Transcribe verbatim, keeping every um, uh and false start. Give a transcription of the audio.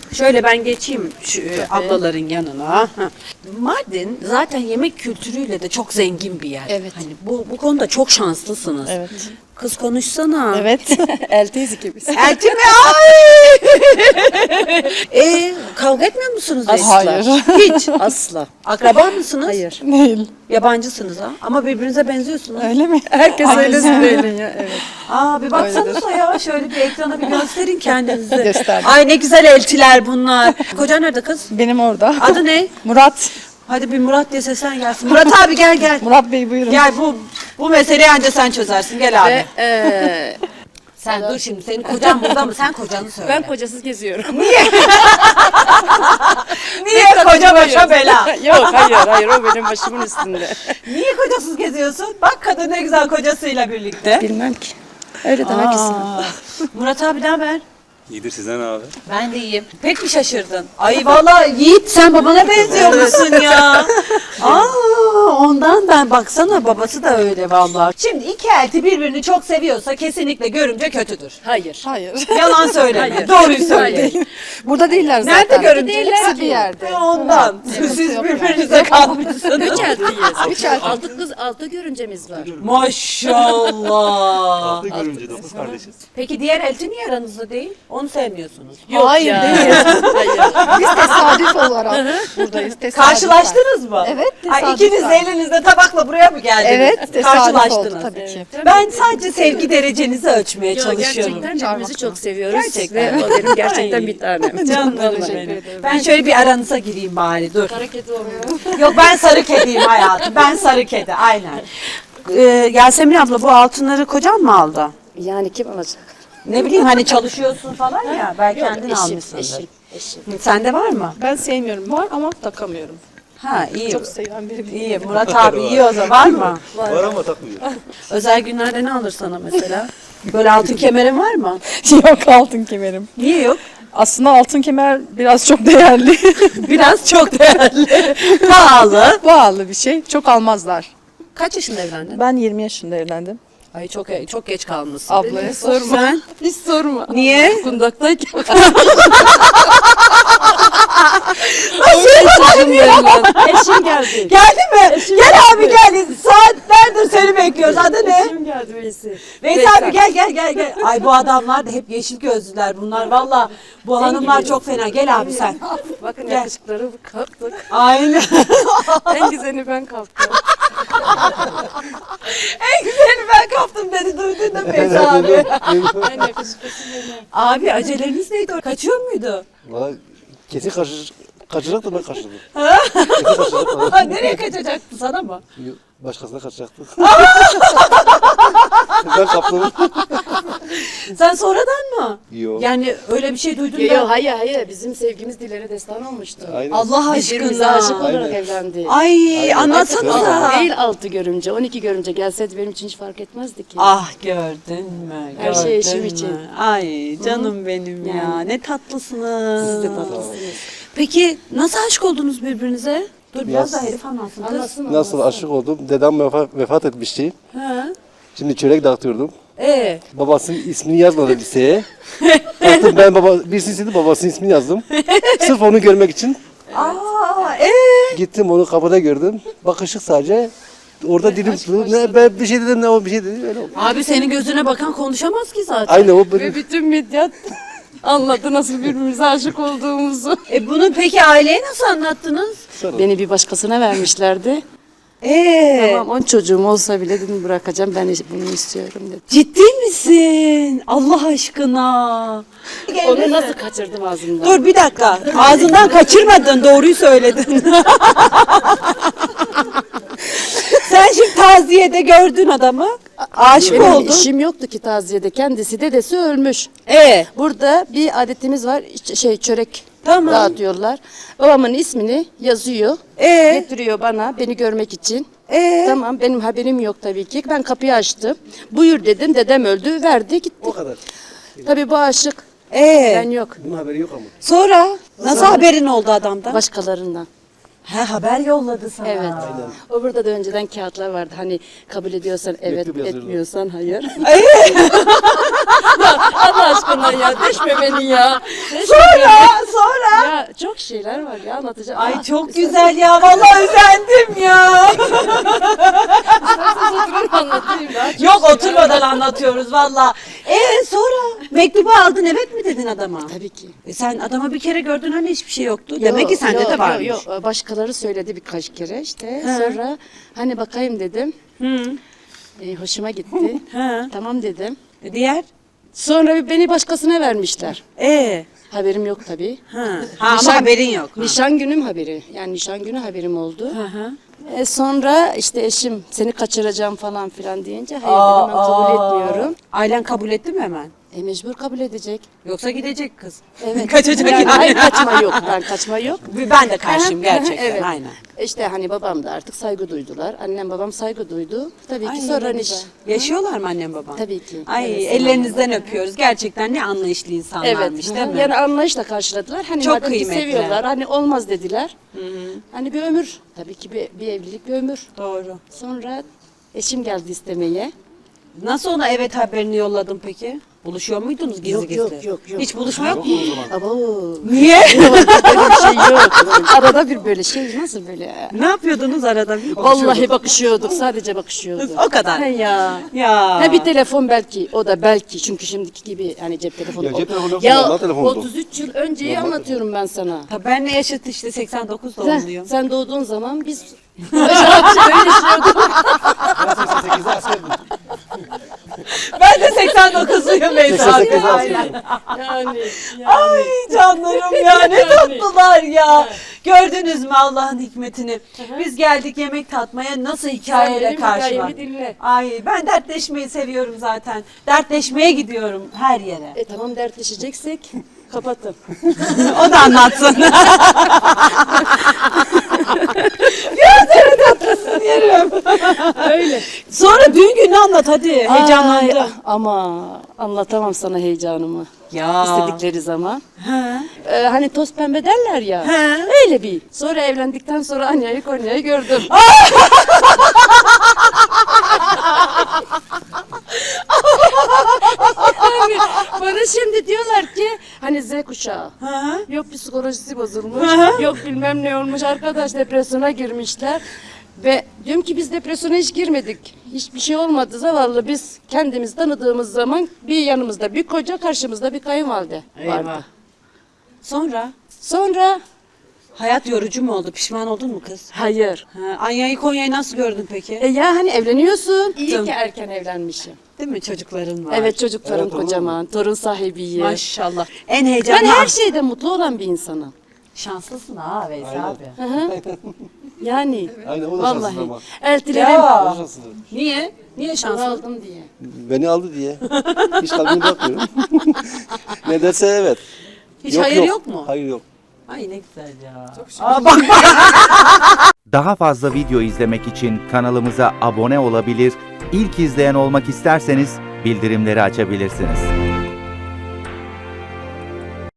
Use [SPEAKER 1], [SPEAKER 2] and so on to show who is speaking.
[SPEAKER 1] Şöyle ben geçeyim şu e, ablaların yanına. Heh. Mardin zaten yemek kültürüyle de çok zengin bir yer.
[SPEAKER 2] Evet.
[SPEAKER 1] Hani bu bu konuda çok şanslısınız.
[SPEAKER 2] Evet.
[SPEAKER 1] Kız konuşsana.
[SPEAKER 2] Evet. Elteyiz ikimiz.
[SPEAKER 1] Elti mi? Ay! e, kavga etmiyor musunuz
[SPEAKER 2] Asla.
[SPEAKER 1] eşler? Hiç.
[SPEAKER 2] Asla.
[SPEAKER 1] Akraba mısınız?
[SPEAKER 2] Hayır. Değil.
[SPEAKER 1] Yabancısınız ha. Ama birbirinize benziyorsunuz.
[SPEAKER 2] Öyle mi? Herkes öyle söylüyor. Evet.
[SPEAKER 1] Aa bir baksanıza ya şöyle bir ekrana bir gösterin kendinizi.
[SPEAKER 2] Gösterdim.
[SPEAKER 1] Ay ne güzel eltiler bunlar. Kocan nerede kız?
[SPEAKER 2] Benim orada.
[SPEAKER 1] Adı ne?
[SPEAKER 2] Murat.
[SPEAKER 1] Hadi bir Murat diye seslen gelsin. Murat abi gel gel.
[SPEAKER 2] Murat Bey buyurun.
[SPEAKER 1] Gel bu bu meseleyi anca sen çözersin. Gel abi.
[SPEAKER 3] Ve eee,
[SPEAKER 1] Sen dur şimdi senin kocan burada mı? Sen kocanı söyle.
[SPEAKER 3] ben kocasız geziyorum.
[SPEAKER 1] Niye koca başa bela?
[SPEAKER 3] Yok hayır hayır o benim başımın üstünde.
[SPEAKER 1] Niye kocasız geziyorsun? Bak kadın ne güzel kocasıyla birlikte.
[SPEAKER 2] Bilmem ki. Öyle demek istedim.
[SPEAKER 1] Aa, Murat abi ne haber?
[SPEAKER 4] İyidir sizden abi.
[SPEAKER 1] Ben de iyiyim. Pek mi şaşırdın? Ay vallahi Yiğit sen babana benziyormuşsun ya. Aa, ondan ben baksana babası da öyle vallahi. Şimdi iki elti birbirini çok seviyorsa kesinlikle görümce kötüdür.
[SPEAKER 3] Hayır.
[SPEAKER 2] Hayır.
[SPEAKER 1] Yalan söyleme.
[SPEAKER 3] Hayır.
[SPEAKER 1] Doğruyu söyle.
[SPEAKER 2] Burada değiller zaten.
[SPEAKER 1] Nerede görümce?
[SPEAKER 2] Hepsi bir yerde.
[SPEAKER 1] Ve ondan. Siz
[SPEAKER 2] yok
[SPEAKER 1] birbirinize kalmışsınız.
[SPEAKER 3] Üç eltiyiz.
[SPEAKER 2] Üç elti.
[SPEAKER 3] Altı kız altı görümcemiz var.
[SPEAKER 1] Maşallah.
[SPEAKER 4] Altı görünce dokuz kardeşiz.
[SPEAKER 1] Peki diğer elti niye aranızda değil? Onu sevmiyorsunuz.
[SPEAKER 3] Yok
[SPEAKER 2] Hayır,
[SPEAKER 3] ya.
[SPEAKER 2] değil.
[SPEAKER 3] Hayır.
[SPEAKER 2] Biz tesadüf olarak buradayız. Tesadüf.
[SPEAKER 1] Karşılaştınız mı?
[SPEAKER 2] Evet,
[SPEAKER 1] Ay,
[SPEAKER 2] tesadüf
[SPEAKER 1] ikiniz de
[SPEAKER 2] var.
[SPEAKER 1] elinizde tabakla buraya mı geldiniz?
[SPEAKER 2] Evet, tesadüf
[SPEAKER 1] Karşılaştınız.
[SPEAKER 2] oldu tabii ki.
[SPEAKER 1] Ben sadece sevgi derecenizi ölçmeye
[SPEAKER 3] Yo,
[SPEAKER 1] çalışıyorum.
[SPEAKER 3] gerçekten birbirimizi çok seviyoruz.
[SPEAKER 1] Gerçekten.
[SPEAKER 3] Ve o benim gerçekten
[SPEAKER 1] Ay.
[SPEAKER 3] bir tanem.
[SPEAKER 1] Canım
[SPEAKER 3] Vallahi.
[SPEAKER 1] benim. Ben şöyle bir aranıza gireyim bari dur.
[SPEAKER 3] Hareket olmuyor.
[SPEAKER 1] Yok ben sarı kediyim hayatım. Ben sarı kedi aynen. Ee, Yasemin abla bu altınları kocan mı aldı?
[SPEAKER 3] Yani kim alacak?
[SPEAKER 1] Ne bileyim hani çalışıyorsun falan ya. Belki
[SPEAKER 3] Yok
[SPEAKER 1] kendin
[SPEAKER 3] eşim,
[SPEAKER 1] almışsındır.
[SPEAKER 3] eşim, eşim.
[SPEAKER 1] Sende var mı?
[SPEAKER 2] Ben sevmiyorum. Var ama takamıyorum.
[SPEAKER 1] Ha iyi.
[SPEAKER 2] Çok seven biri değil.
[SPEAKER 1] İyi. Murat abi iyi o zaman. Var mı?
[SPEAKER 4] Var ama takmıyor.
[SPEAKER 1] Özel günlerde ne alır sana mesela? Böyle altın kemerin var mı?
[SPEAKER 2] Yok altın kemerim.
[SPEAKER 1] Niye yok?
[SPEAKER 2] Aslında altın kemer biraz çok değerli.
[SPEAKER 1] Biraz çok değerli. Pahalı.
[SPEAKER 2] Pahalı bir şey. Çok almazlar.
[SPEAKER 1] Kaç yaşında evlendin?
[SPEAKER 2] Ben yirmi yaşında evlendim.
[SPEAKER 1] Ay çok çok geç kalmışsın.
[SPEAKER 2] Ablaya sorma.
[SPEAKER 1] Sen?
[SPEAKER 2] Hiç sorma.
[SPEAKER 1] Niye?
[SPEAKER 2] Kundaktayken.
[SPEAKER 3] Eşim geldi.
[SPEAKER 1] Geldi mi? Gel abi gel. Saatlerdir seni bekliyoruz. Adı ne?
[SPEAKER 3] Eşim geldi Veysi.
[SPEAKER 1] Veysel abi gel gel gel gel. Ay bu adamlar da hep yeşil gözlüler bunlar. Valla bu hanımlar çok fena. Gel abi sen.
[SPEAKER 3] Bakın
[SPEAKER 1] Gel.
[SPEAKER 3] yakışıkları kaptık.
[SPEAKER 1] Aynen.
[SPEAKER 3] En güzeli ben kaptım.
[SPEAKER 1] En güzeli ben kaptım dedi. Duydun da Veysel abi.
[SPEAKER 3] En yakışıklısı benim.
[SPEAKER 1] Abi aceleriniz neydi? Kaçıyor muydu?
[SPEAKER 4] Valla kesin kaçır, kaçacak da ben kaçırdım. Kesin kaçacak da
[SPEAKER 1] Nereye kaçacaktı sana mı?
[SPEAKER 4] ben başkasına kaçacaktı. Ben kaptım.
[SPEAKER 1] Sen sonradan mı?
[SPEAKER 4] Yok.
[SPEAKER 1] Yani öyle bir şey duydun
[SPEAKER 3] Yo,
[SPEAKER 1] da.
[SPEAKER 3] yo, hayır hayır bizim sevgimiz dillere destan olmuştu.
[SPEAKER 4] Aynen.
[SPEAKER 1] Allah
[SPEAKER 3] Biz birbirimize aşık
[SPEAKER 1] aşkına.
[SPEAKER 3] olarak
[SPEAKER 4] Aynen.
[SPEAKER 3] evlendik.
[SPEAKER 1] Ay
[SPEAKER 4] Aynen.
[SPEAKER 1] anlatsana.
[SPEAKER 3] Değil altı görümce, on iki görümce gelseydi benim için hiç fark etmezdi ki.
[SPEAKER 1] Ah gördün mü?
[SPEAKER 3] Her şey
[SPEAKER 1] gördün
[SPEAKER 3] eşim
[SPEAKER 1] mü?
[SPEAKER 3] için.
[SPEAKER 1] Ay canım benim ya.
[SPEAKER 3] Yani.
[SPEAKER 1] Ne tatlısınız.
[SPEAKER 3] Siz de tatlısınız.
[SPEAKER 1] Peki nasıl aşık oldunuz birbirinize? Dur biraz
[SPEAKER 4] Nasıl?
[SPEAKER 1] daha herif anlatsın. kız.
[SPEAKER 3] Anlasın
[SPEAKER 4] Nasıl aşık oldum? Dedem vefat, vefat etmişti.
[SPEAKER 1] Ha?
[SPEAKER 4] Şimdi çörek dağıtıyordum.
[SPEAKER 1] Ee,
[SPEAKER 4] Babasının ismini yazmadı liseye. Baktım ben baba, birisi istedi babasının ismini yazdım. Sırf onu görmek için
[SPEAKER 1] aa, ee.
[SPEAKER 4] gittim onu kapıda gördüm. Bakışık sadece. Orada dilim tutuldu. Ne ben bir şey dedim ne o bir şey dedi öyle oldu.
[SPEAKER 1] Abi senin gözüne bakan konuşamaz ki zaten.
[SPEAKER 4] Aynı o benim.
[SPEAKER 3] Ve bütün medya anladı nasıl birbirimize aşık olduğumuzu.
[SPEAKER 1] E bunu peki aileye nasıl anlattınız?
[SPEAKER 3] Beni bir başkasına vermişlerdi.
[SPEAKER 1] Ee,
[SPEAKER 3] Tamam on çocuğum olsa bile dedim bırakacağım ben bunu istiyorum dedim.
[SPEAKER 1] ciddi misin? Allah aşkına.
[SPEAKER 3] Onu nasıl kaçırdım ağzımdan?
[SPEAKER 1] Dur bir dakika. Ağzından kaçırmadın, doğruyu söyledin. Sen şimdi taziyede gördün adamı. Aşık
[SPEAKER 3] Benim
[SPEAKER 1] oldun.
[SPEAKER 3] işim yoktu ki taziyede. Kendisi dedesi ölmüş.
[SPEAKER 1] Ee,
[SPEAKER 3] Burada bir adetimiz var. ç- Şey çörek
[SPEAKER 1] Tamam.
[SPEAKER 3] dağıtıyorlar. Babamın ismini yazıyor.
[SPEAKER 1] Ee?
[SPEAKER 3] Getiriyor bana beni görmek için.
[SPEAKER 1] Ee?
[SPEAKER 3] Tamam benim haberim yok tabii ki. Ben kapıyı açtım. Buyur dedim. Dedem öldü. Verdi gitti.
[SPEAKER 4] O kadar.
[SPEAKER 3] Tabii bu aşık.
[SPEAKER 1] ee.
[SPEAKER 3] Ben yok.
[SPEAKER 4] Bunun haberi yok ama.
[SPEAKER 1] Sonra nasıl haberin oldu adamdan?
[SPEAKER 3] Başkalarından.
[SPEAKER 1] He haber yolladı sana.
[SPEAKER 3] Evet. O burada da önceden kağıtlar vardı. Hani kabul ediyorsan evet,
[SPEAKER 4] Mektup yazıyorlar.
[SPEAKER 3] etmiyorsan hayır. Allah aşkına ya düşme beni ya. Düşme
[SPEAKER 1] Sonra, sonra
[SPEAKER 3] şeyler var ya anlatacağım.
[SPEAKER 1] Ay
[SPEAKER 3] Aa,
[SPEAKER 1] çok güzel ya. Vallahi özendim ya.
[SPEAKER 3] isterseniz oturun anlatayım daha çok
[SPEAKER 1] Yok
[SPEAKER 3] şeyler
[SPEAKER 1] oturmadan
[SPEAKER 3] var.
[SPEAKER 1] anlatıyoruz valla. Ee sonra mektubu aldın evet mi dedin adama?
[SPEAKER 3] Tabii ki.
[SPEAKER 1] E sen adamı bir kere gördün hani hiçbir şey yoktu. Demek ki
[SPEAKER 3] Yok,
[SPEAKER 1] sende
[SPEAKER 3] yok,
[SPEAKER 1] de varmış.
[SPEAKER 3] Yok yok başkaları söyledi birkaç kere işte.
[SPEAKER 1] He.
[SPEAKER 3] Sonra hani bakayım dedim.
[SPEAKER 1] Hı.
[SPEAKER 3] E, hoşuma gitti.
[SPEAKER 1] He.
[SPEAKER 3] Tamam dedim.
[SPEAKER 1] E, diğer?
[SPEAKER 3] Sonra beni başkasına vermişler.
[SPEAKER 1] Ee.
[SPEAKER 3] Haberim yok tabii.
[SPEAKER 1] Ha. Ha ama haberin yok. Ha.
[SPEAKER 3] Nişan günüm haberi. Yani nişan günü haberim oldu.
[SPEAKER 1] Hı hı.
[SPEAKER 3] E sonra işte eşim seni kaçıracağım falan filan deyince hayır
[SPEAKER 1] Aa,
[SPEAKER 3] dedim ben kabul
[SPEAKER 1] aa.
[SPEAKER 3] etmiyorum.
[SPEAKER 1] Ailen kabul etti mi hemen?
[SPEAKER 3] E mecbur kabul edecek.
[SPEAKER 1] Yoksa gidecek kız.
[SPEAKER 3] Evet.
[SPEAKER 1] Kaçacak
[SPEAKER 3] yani.
[SPEAKER 1] yani.
[SPEAKER 3] Hayır kaçma yok. Ben kaçma yok.
[SPEAKER 1] Ben de karşıyım gerçekten.
[SPEAKER 3] Evet.
[SPEAKER 1] Aynen.
[SPEAKER 3] İşte hani babam da artık saygı duydular. Annem babam saygı duydu. Tabii ki
[SPEAKER 1] Ay,
[SPEAKER 3] sonra
[SPEAKER 1] ne
[SPEAKER 3] niş.
[SPEAKER 1] güzel. Yaşıyorlar mı annem baban?
[SPEAKER 3] Tabii ki.
[SPEAKER 1] Ay
[SPEAKER 3] Evet,
[SPEAKER 1] ellerinizden öpüyoruz. Gerçekten ne anlayışlı
[SPEAKER 3] Evet.
[SPEAKER 1] insanlarmış değil mi?
[SPEAKER 3] Yani anlayışla karşıladılar. Hani
[SPEAKER 1] Çok
[SPEAKER 3] madem ki
[SPEAKER 1] kıymetli.
[SPEAKER 3] seviyorlar. Hani olmaz dediler. Hani bir ömür. Tabii ki bir, bir evlilik bir ömür.
[SPEAKER 1] Doğru.
[SPEAKER 3] Sonra eşim geldi istemeye.
[SPEAKER 1] Nasıl ona evet haberini yolladın peki? Buluşuyor muydunuz gizli
[SPEAKER 3] Yok,
[SPEAKER 1] gizli?
[SPEAKER 3] yok, yok, yok.
[SPEAKER 1] Hiç buluşma yok mu?
[SPEAKER 3] Abo.
[SPEAKER 1] Niye?
[SPEAKER 3] Böyle bir şey yok. Arada bir böyle şey nasıl böyle?
[SPEAKER 1] Ne yapıyordunuz arada bir?
[SPEAKER 3] Vallahi bakışıyorduk. Sadece bakışıyorduk.
[SPEAKER 1] O kadar.
[SPEAKER 3] He ya.
[SPEAKER 1] Ya.
[SPEAKER 3] Ha bir telefon belki. O da belki. Çünkü şimdiki gibi hani cep telefonu.
[SPEAKER 4] Ya cep telefonu yok,
[SPEAKER 3] Ya
[SPEAKER 4] normal telefondu.
[SPEAKER 3] otuz üç yıl önceyi anlatıyorum ben sana.
[SPEAKER 1] Tabii ben ne yaşıt işte seksen dokuz
[SPEAKER 3] Sen,
[SPEAKER 1] doğumluyum.
[SPEAKER 3] sen doğduğun zaman biz öyle yaşıyorduk.
[SPEAKER 4] Ben seksen sekizde askerdim.
[SPEAKER 1] Ben de seksen dokuzluyum Beyza
[SPEAKER 4] seksen
[SPEAKER 1] abi.
[SPEAKER 4] sekizde
[SPEAKER 1] Aynen.
[SPEAKER 4] askerdim.
[SPEAKER 3] Yani.
[SPEAKER 1] Ay canlarım ya ne
[SPEAKER 3] Yani.
[SPEAKER 1] tatlılar ya. Gördünüz mü Allah'ın hikmetini? Biz geldik yemek tatmaya nasıl hikayeyle
[SPEAKER 3] benim
[SPEAKER 1] karşıma.
[SPEAKER 3] hikayemi dinle.
[SPEAKER 1] Ay ben dertleşmeyi seviyorum zaten. Dertleşmeye gidiyorum her yere.
[SPEAKER 3] E tamam dertleşeceksek kapatın.
[SPEAKER 1] O da anlatsın. ya seni tatlısın yerim.
[SPEAKER 3] Öyle.
[SPEAKER 1] Sonra düğün günü anlat hadi. Heyecanlandım.
[SPEAKER 3] Ay, ama anlatamam sana heyecanımı.
[SPEAKER 1] Ya.
[SPEAKER 3] İstedikleri zaman.
[SPEAKER 1] Ha.
[SPEAKER 3] Ee, hani toz pembe derler ya.
[SPEAKER 1] He.
[SPEAKER 3] Öyle bir. Sonra evlendikten sonra Anya'yı Konya'yı gördüm. Yani bana şimdi diyorlar ki hani Z kuşağı.
[SPEAKER 1] Ha.
[SPEAKER 3] Yok psikolojisi bozulmuş. Yok bilmem ne olmuş. Arkadaş depresyona girmişler. Ve diyorum ki biz depresyona hiç girmedik. Hiçbir şey olmadı zavallı. Biz kendimiz tanıdığımız zaman bir yanımızda bir koca karşımızda bir kayınvalide
[SPEAKER 1] Eyvah.
[SPEAKER 3] vardı.
[SPEAKER 1] Sonra
[SPEAKER 3] Sonra
[SPEAKER 1] hayat yorucu mu oldu? Pişman oldun mu kız?
[SPEAKER 3] hayır.
[SPEAKER 1] Ha, Anya'yı Konya'yı nasıl gördün peki?
[SPEAKER 3] E ya hani evleniyorsun. İyi
[SPEAKER 1] Tamam.
[SPEAKER 3] ki erken evlenmişim.
[SPEAKER 1] Değil mi çocukların var?
[SPEAKER 3] Evet çocuklarım
[SPEAKER 4] Evet, olur mu?
[SPEAKER 3] kocaman. Torun sahibiyim.
[SPEAKER 1] Maşallah. En heyecanlı.
[SPEAKER 3] Ben her şeyde mutlu olan bir insanım.
[SPEAKER 1] Şanslısın ha Veys
[SPEAKER 4] Aynen.
[SPEAKER 1] abi.
[SPEAKER 3] Hı hı. Yani
[SPEAKER 4] Aynen o da şanssız
[SPEAKER 3] vallahi
[SPEAKER 4] ama.
[SPEAKER 3] eltilerim
[SPEAKER 1] Ya.
[SPEAKER 4] O da şanssız.
[SPEAKER 1] Niye? Niye şanslı?
[SPEAKER 3] aldım diye.
[SPEAKER 4] Beni aldı diye. Hiç kalbimi bırakmıyorum. Ne derse evet.
[SPEAKER 1] Hiç hayır yok mu?
[SPEAKER 4] Hayır yok.
[SPEAKER 1] Ay ne güzel ya. Aa, bak bak.
[SPEAKER 5] Daha fazla video izlemek için kanalımıza abone olabilir, ilk izleyen olmak isterseniz bildirimleri açabilirsiniz.